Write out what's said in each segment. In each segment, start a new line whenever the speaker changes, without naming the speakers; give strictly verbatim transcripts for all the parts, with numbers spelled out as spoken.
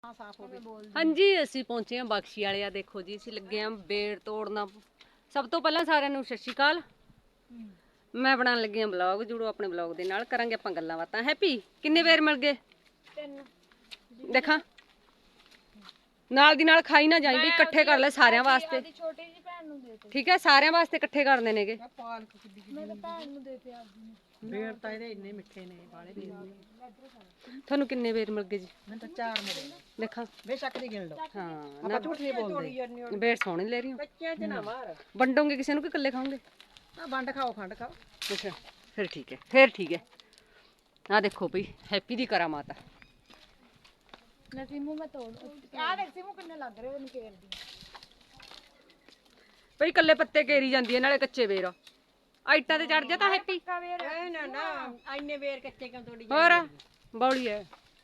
ਹਾਂਜੀ ਅਸੀਂ ਪਹੁੰਚੇ ਹਾਂ ਬਖਸ਼ੀ ਵਾਲੇ ਆ। ਦੇਖੋ ਜੀ ਅਸੀਂ ਲੱਗੇ ਹਾਂ ਬੇੜ ਤੋੜਨਾ। ਸਭ ਤੋਂ ਪਹਿਲਾਂ ਸਾਰਿਆਂ ਨੂੰ ਸਤਿ ਸ਼੍ਰੀ ਅਕਾਲ। ਮੈਂ ਬਣਾਉਣ ਲੱਗੀ ਹਾਂ ਬਲੌਗ। ਜੁੜੋ ਆਪਣੇ ਬਲੌਗ ਦੇ ਨਾਲ, ਕਰਾਂਗੇ ਆਪਾਂ ਗੱਲਾਂ ਬਾਤਾਂ। ਹੈਪੀ ਕਿੰਨੇ ਵੇਰ ਮਿਲ ਗਏ? ਦੇਖਾਂ ਨਾਲ ਦੀ ਨਾਲ ਖਾਈ ਨਾ ਜਾਈ ਵੀ, ਇਕੱਠੇ ਕਰ ਲੈ ਸਾਰਿਆਂ ਵਾਸਤੇ।
ਛੋਟੀ ਜੀ ਭੈਣ ਨੂੰ ਦੇ ਦੇ।
ਠੀਕ ਹੈ, ਸਾਰਿਆਂ ਵਾਸਤੇ ਇਕੱਠੇ ਕਰਨੇ ਨੇਗੇ।
ਮੈਂ ਤਾਂ ਭੈਣ ਨੂੰ ਦੇ ਦੇ ਆਪਦੀ ਨੂੰ।
ਬੇੜ ਤਾਂ ਇਹਦੇ ਇੰਨੇ ਮਿੱਠੇ ਨੇ ਬਾਲੇ ਬੇੜ ਨੇ।
ਤੁਹਾਨੂੰ ਕਿੰਨੇ ਵੇਰ ਮਿਲ ਗਏ ਜੀ?
ਮੈਨੂੰ ਤਾਂ ਚਾਰ ਮਿਲੇ ਨੇ।
ਦੇਖਾਂ
ਬੇਸ਼ੱਕ ਦੀ ਗਿਣ ਲਓ।
ਹਾਂ
ਆਪਾਂ ਝੂਠ ਨਹੀਂ ਬੋਲਦੇ।
ਬੇੜ ਸੋਹਣੇ ਲੈ ਰਹੀ ਹੋ।
ਬੱਚਿਆਂ 'ਚ ਨਾ ਮਾਰ।
ਵੰਡੋਗੇ ਕਿਸੇ ਨੂੰ ਕਿ ਇਕੱਲੇ ਖਾਓਗੇ?
ਆ ਵੰਡ ਖਾਓ, ਖੰਡ ਖਾਓ।
ਅੱਛਾ ਫਿਰ ਠੀਕ ਹੈ, ਫਿਰ ਠੀਕ ਹੈ। ਆ ਦੇਖੋ ਭਈ ਹੈਪੀ ਦੀ ਕਰਾਮਾਤ ਆ।
ਲੈ ਸਿਮੂ ਮੈਂ ਤੋੜ। ਆ ਦੇਖ ਸਿਮੂ ਕਿੰਨੇ ਲੱਗ ਰਹੇ ਉਹਨੂੰ ਕੇਰਦੀ।
ਭਈ ਇਕੱਲੇ ਪੱਤੇ ਕੇਰੀ ਜਾਂਦੀ ਹੈ, ਨਾਲੇ ਕੱਚੇ ਵੇਰ ਆ ਇੱਟਾਂ ਤੇ ਚੜ ਜਾ ਤਾਂ ਹੈਪੀ।
ਐ ਨਾ ਨਾ ਇੰਨੇ ਵੇਰ ਕੱਚੇ ਕਿਉਂ ਤੋੜੀ
ਹੋਰ ਬੌਲੀ ਹੈ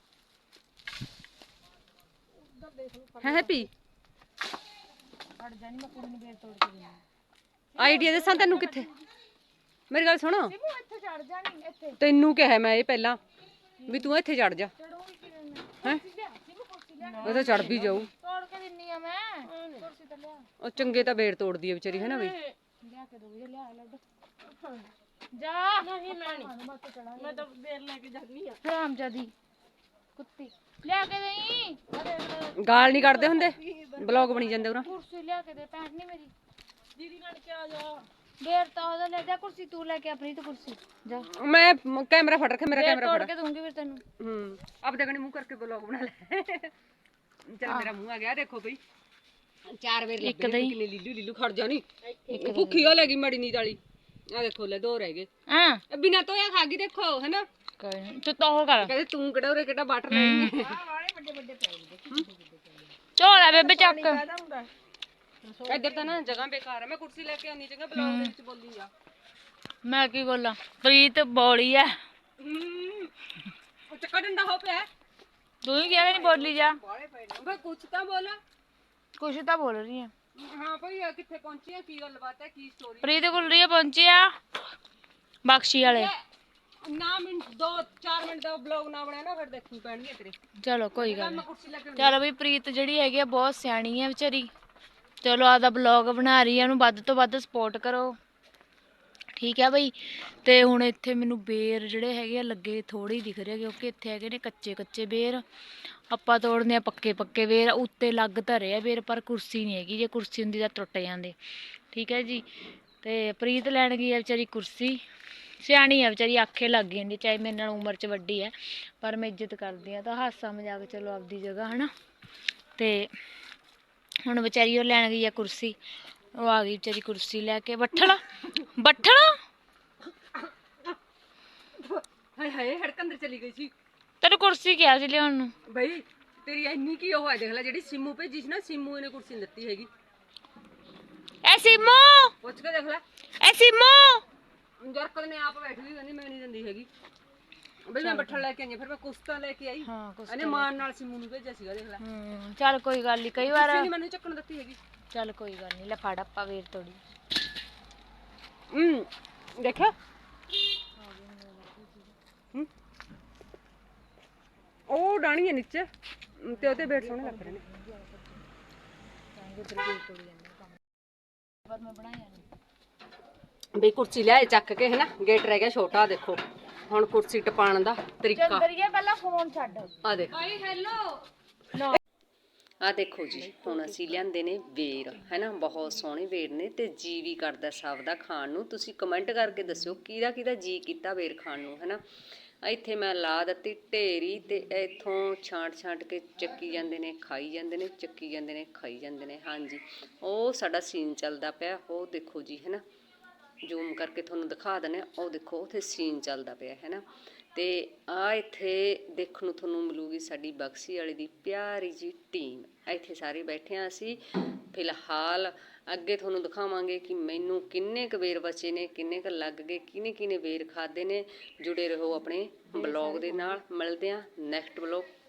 ਹੈ ਹੈਪੀ।
ਹਟ ਜਾ ਨਹੀਂ, ਮੈਂ ਕੁੜੀ ਨੂੰ ਬੇਰ ਤੋੜ ਕੇ ਦੇਣੀ।
ਆਈਡੀਆ ਦੱਸਾਂ ਤੈਨੂੰ ਕਿੱਥੇ? ਮੇਰੀ ਗੱਲ ਸੁਣ,
ਸਿਮੂ ਇੱਥੇ ਚੜ ਜਾ ਨਹੀਂ ਇੱਥੇ।
ਤੈਨੂੰ ਕਿਹਾ ਮੈਂ ਇਹ ਪਹਿਲਾਂ ਵੀ ਤੂੰ ਇੱਥੇ ਚੜ ਜਾ।
ਚੜੂਗੀ ਕਿਵੇਂ ਮੈਂ?
ਹੈ
ਸਿਮੂ ਕੁਰਸੀ ਲਿਆ।
ਉਹ ਤਾਂ ਚੜ ਵੀ ਜਾਊ।
ਤੋੜ ਕੇ ਦਿੰਨੀ ਆ ਮੈਂ। ਕੁਰਸੀ ਤੇ ਲਿਆ।
ਉਹ ਚੰਗੇ ਤਾਂ ਵੇੜ ਤੋੜਦੀ ਹੈ ਵਿਚਾਰੀ, ਹੈ ਨਾ ਬਈ।
ਲਿਆ ਕੇ ਦੋ ਇਹ ਲਿਆ ਲੱਡ। ਜਾ ਨਹੀਂ ਮੈਂ ਨਹੀਂ, ਮੈਂ ਤਾਂ ਬੇਰ ਲੈ ਕੇ ਜਾਨੀ ਆ। ਹਰਾਮਜ਼ਾਦੀ ਕੁੱਤੀ ਲਿਆ ਕੇ ਦੇਈ।
ਗਾਲ ਨਹੀਂ ਕੱਢਦੇ ਹੁੰਦੇ, ਬਲੌਗ ਬਣੀ ਜਾਂਦੇ ਉਰਾਂ।
ਕੁਰਸੀ ਲਿਆ ਕੇ ਦੇ, ਭੈਣ ਨਹੀਂ ਮੇਰੀ ਦੀਦੀ ਬਣ ਕੇ ਆ ਜਾ। ਬੇਰ ਤਾਂ ਉਹਦਾ ਲੈ ਜਾ ਕੁਰਸੀ, ਤੂੰ ਲੈ ਕੇ ਆਪਣੀ ਤੇ ਕੁਰਸੀ ਜਾ।
ਮੈਂ ਕੈਮਰਾ ਫੜ ਰੱਖਿਆ, ਮੇਰਾ ਕੈਮਰਾ
ਤੋੜ
ਫੜ
ਕੇ ਦੂੰਗੀ ਫਿਰ ਤੈਨੂੰ।
ਹੂੰ ਆਪਦੇ ਕਣੀ ਮੂੰਹ ਕਰਕੇ ਬਲੌਗ ਬਣਾ ਲੈ। ਚੱਲ ਮੇਰਾ ਮੂੰਹ ਆ ਗਿਆ। ਦੇਖੋ ਬਈ ਚਾਰ ਵੇਰ ਲੱਗੇ ਨੇ। ਕਿੰਨੇ ਲੀਲੂ ਲੀਲੂ ਖੜ ਜਾ ਨੀ, ਭੁੱਖੀ ਹੋ ਲੈਗੀ ਮੜੀ ਨੀਂਦ ਵਾਲੀ। ਆ ਦੇਖੋ ਲੈ ਦੋ ਰਹਿ ਗਏ।
ਹਾਂ
ਬਿਨਾ ਧੋਇਆ ਖਾ ਗਈ ਦੇਖੋ, ਹੈਨਾ।
ਕੋਈ ਨਹੀਂ ਤੂੰ ਤਾਂ ਉਹ ਕਰ।
ਕਹਿੰਦੇ ਤੂੰ ਕਿਹੜਾ ਉਰੇ ਕਿਹੜਾ ਬਾਟਰ ਲੈਣੀ ਹੈ।
ਝੋਲਾ ਬੇਬੇ ਚੱਕ।
ਇੱਧਰ ਤਾਂ ਨਾ ਜਗ੍ਹਾ ਬੇਕਾਰ ਹੈ। ਮੈਂ ਕੁਰਸੀ ਲੈ ਕੇ ਆਉਣੀ ਚੰਗਾ ਬਲੌਗ ਦੇ ਵਿੱਚ ਬੋਲੀ ਜਾ।
ਮੈਂ ਕੀ ਬੋਲਾਂ? ਪ੍ਰੀਤ ਬੋਲੀ ਐ।
ਉਹ ਚੱਕਾ ਡੰਡਾ ਹੋ ਪਿਆ।
ਤੂੰ ਹੀ ਕਿਹਾ ਨਹੀਂ ਬੋਲੀ ਜਾ।
ਬਈ ਕੁਛ ਤਾਂ ਬੋਲ।
ਕੁਛ ਤਾਂ ਬੋਲ ਰਹੀ ਆ।
ਹਾਂ ਭਈ ਕਿੱਥੇ ਪਹੁੰਚੀ ਆ, ਕੀ ਗੱਲਬਾਤ ਹੈ, ਕੀ ਸਟੋਰੀ?
ਪ੍ਰੀਤ ਗੁਲਰੀਆ ਪਹੁੰਚੇ ਆ ਬਖਸ਼ੀ ਵਾਲੇ।
ਨਾ ਮਿੰਟ ਦੋ ਚਾਰ ਮਿੰਟ ਦਾ ਬਲੌਗ ਨਾ ਬਣਾਇਆ ਨਾ ਫਿਰ ਦੇਖੂ ਪੈਣਗੇ ਤੇਰੇ।
ਚਲੋ ਕੋਈ ਗੱਲ
ਮੈਂ
ਨਹੀਂ।
ਕੁਰਸੀ ਲੈ ਕੇ
ਚਲੋ ਬਈ ਪ੍ਰੀਤ ਜਿਹੜੀ ਹੈਗੀ ਆ ਬਹੁਤ ਸਿਆਣੀ ਹੈ ਵਿਚਾਰੀ। ਚਲੋ ਆਦਾ ਬਲੌਗ ਬਣਾ ਰਹੀ ਆ, ਉਹਨੂੰ ਵੱਧ ਤੋਂ ਵੱਧ ਸਪੋਰਟ ਕਰੋ। ਠੀਕ ਹੈ ਬਈ। ਤੇ ਹੁਣ ਇੱਥੇ ਮੈਨੂੰ ਬੇਰ ਜਿਹੜੇ ਹੈਗੇ ਆ ਲੱਗੇ ਥੋੜੇ ਹੀ ਦਿਖ ਰਹੇ, ਕਿਉਂਕਿ ਇੱਥੇ ਹੈਗੇ ਨੇ ਕੱਚੇ ਕੱਚੇ ਬੇਰ। ਆਪਾਂ ਤੋੜਨੇ ਆ ਪੱਕੇ ਪੱਕੇ ਬੇਰ। ਉੱਤੇ ਲੱਗ ਧਰੇ ਆ ਬੇਰ, ਪਰ ਕੁਰਸੀ ਨਹੀਂ ਹੈਗੀ। ਜੇ ਕੁਰਸੀ ਹੁੰਦੀ ਤਾਂ ਟੁੱਟ ਜਾਂਦੇ। ਠੀਕ ਹੈ ਜੀ। ਤੇ ਪ੍ਰੀਤ ਲੈਣ ਗਈ ਆ ਵਿਚਾਰੀ ਕੁਰਸੀ। ਸਿਆਣੀ ਆ ਵਿਚਾਰੀ, ਆਖੇ ਲੱਗ ਜਾਂਦੀ। ਚਾਹੇ ਮੇਰੇ ਨਾਲ ਉਮਰ 'ਚ ਵੱਡੀ ਹੈ, ਪਰ ਮੈਂ ਇੱਜ਼ਤ ਕਰਦੀ ਹਾਂ। ਤਾਂ ਹਾਸਾ ਮਜ਼ਾਕ ਚਲੋ ਆਪਦੀ ਜਗ੍ਹਾ, ਹੈ ਨਾ। ਤੇ ਹੁਣ ਵਿਚਾਰੀ ਉਹ ਲੈਣ ਗਈ ਆ ਕੁਰਸੀ। ਉਹ ਆ ਗਈ ਵਿਚਾਰੀ ਕੁਰਸੀ ਲੈ ਕੇ। ਬੱਠਲ ਬੱਠਲ
ਹਾਏ ਹਾਏ ਹੜਕ ਅੰਦਰ ਚਲੀ ਗਈ ਸੀ।
ਤੈਨੂੰ ਕੁਰਸੀ ਕਿਹਾ ਸੀ ਲਿਆਉਣ ਨੂੰ।
ਬਈ ਤੇਰੀ ਇੰਨੀ ਕੀ ਉਹ ਹੈ, ਦੇਖ ਲੈ ਜਿਹੜੀ ਸਿੰਮੂ ਭੇਜੀ ਸੀ ਨਾ, ਸਿੰਮੂ ਇਹਨੇ ਕੁਰਸੀ ਨਹੀਂ ਦਿੱਤੀ ਹੈਗੀ।
ਐ ਸਿਮੂ,
ਪੁੱਛ ਕੇ ਦੇਖ ਲੈ।
ਐ ਸਿਮੂ
ਜਰਕਤ ਨੇ ਆਪ ਬੈਠ ਗਈ, ਕਹਿੰਦੀ ਮੈਂ ਨਹੀਂ ਦਿੰਦੀ ਹੈਗੀ। ਬਈ ਮੈਂ ਬੱਠਲ ਲੈ ਕੇ ਆਈ, ਫਿਰ ਮੈਂ ਕੁਸਤਾ ਲੈ ਕੇ ਆਈ।
ਹਾਂ ਕੁਛ
ਇਹਨੇ ਮਾਨ ਨਾਲ ਸਿੰਮੂ ਨੂੰ ਭੇਜਿਆ ਸੀਗਾ, ਦੇਖ ਲੈ।
ਹੂੰ ਚੱਲ ਕੋਈ ਗੱਲ ਨਹੀਂ। ਕਈ ਵਾਰ
ਨਹੀਂ ਮੈਨੂੰ ਚੱਕਣ ਦਿੱਤੀ ਹੈਗੀ।
ਚੱਲ ਕੋਈ ਗੱਲ ਨਹੀਂ। ਲੈ ਫੜ ਆਪਾਂ ਵੇਰ ਤੋੜੀ।
ਹੂੰ ਦੇਖਿਆ ਉਹ ਡਾਣੀ ਹੈ ਨੀਚੇ ਤੇ ਉਹਦੇ ਬੇਟ ਸੋਹਣੇ ਲੱਗ ਰਹੇ ਨੇ।
ਪਰ ਮੈਂ ਬਣਾਇਆ
ਬਈ ਕੁਰਸੀ ਲਿਆਏ ਚੱਕ ਕੇ, ਹੈ ਨਾ। ਗੇਟ ਰਹਿ ਗਿਆ ਛੋਟਾ। ਦੇਖੋ ਹੁਣ ਕੁਰਸੀ ਟਪਾਉਣ ਦਾ ਤਰੀਕਾ।
ਕਰੀਏ ਪਹਿਲਾਂ ਫੋਨ ਛੱਡ।
ਆ ਦੇਖ ਭਾਈ ਹੈਲੋ। ਆ ਦੇਖੋ ਜੀ ਹੁਣ ਅਸੀਂ ਲਿਆਂਦੇ ਨੇ ਵੇਰ, ਹੈ ਨਾ। ਬਹੁਤ ਸੋਹਣੇ ਵੇਰ ਨੇ ਤੇ ਜੀ ਵੀ ਕਰਦਾ ਸਭ ਦਾ ਖਾਣ ਨੂੰ। ਤੁਸੀਂ ਕਮੈਂਟ ਕਰਕੇ ਦੱਸਿਓ ਕਿਹਦਾ ਕਿਹਦਾ ਜੀ ਕੀਤਾ ਵੇਰ ਖਾਣ ਨੂੰ, ਹੈ ਨਾ। ਇੱਥੇ ਮੈਂ ਲਾ ਦਿੱਤੀ ਢੇਰੀ ਤੇ ਇੱਥੋਂ ਛਾਂਟ ਛਾਂਟ ਕੇ ਚੱਕੀ ਜਾਂਦੇ ਨੇ, ਖਾਈ ਜਾਂਦੇ ਨੇ, ਚੱਕੀ ਜਾਂਦੇ ਨੇ, ਖਾਈ ਜਾਂਦੇ ਨੇ। ਹਾਂਜੀ ਉਹ ਸਾਡਾ ਸੀਨ ਚੱਲਦਾ ਪਿਆ। ਉਹ ਦੇਖੋ ਜੀ, ਹੈ ਨਾ। ਜ਼ੂਮ ਕਰਕੇ ਤੁਹਾਨੂੰ ਦਿਖਾ ਦਿੰਦੇ ਹਾਂ। ਉਹ ਦੇਖੋ ਉੱਥੇ ਸੀਨ ਚੱਲਦਾ ਪਿਆ, ਹੈ ਨਾ। ਤੇ ਆ ਇੱਥੇ ਦੇਖਣ ਨੂੰ ਤੁਹਾਨੂੰ ਮਿਲੂਗੀ ਸਾਡੀ ਬਖਸ਼ੀ ਵਾਲੇ ਦੀ ਪਿਆਰੀ ਜੀ ਟੀਮ। ਇੱਥੇ ਸਾਰੇ ਬੈਠੇ ਹਾਂ ਅਸੀਂ ਫਿਲਹਾਲ। ਅੱਗੇ ਤੁਹਾਨੂੰ ਦਿਖਾਵਾਂਗੇ ਕਿ ਮੈਨੂੰ ਕਿੰਨੇ ਕੁ ਵੇਰ ਬਚੇ ਨੇ, ਕਿੰਨੇ ਕੁ ਲੱਗ ਗਏ, ਕਿਹਨੇ ਕਿਹਨੇ ਵੇਰ ਖਾਦੇ ਨੇ। ਜੁੜੇ ਰਹੋ ਆਪਣੇ ਬਲੌਗ ਦੇ ਨਾਲ। ਮਿਲਦੇ ਹਾਂ ਨੈਕਸਟ ਬਲੌਗ।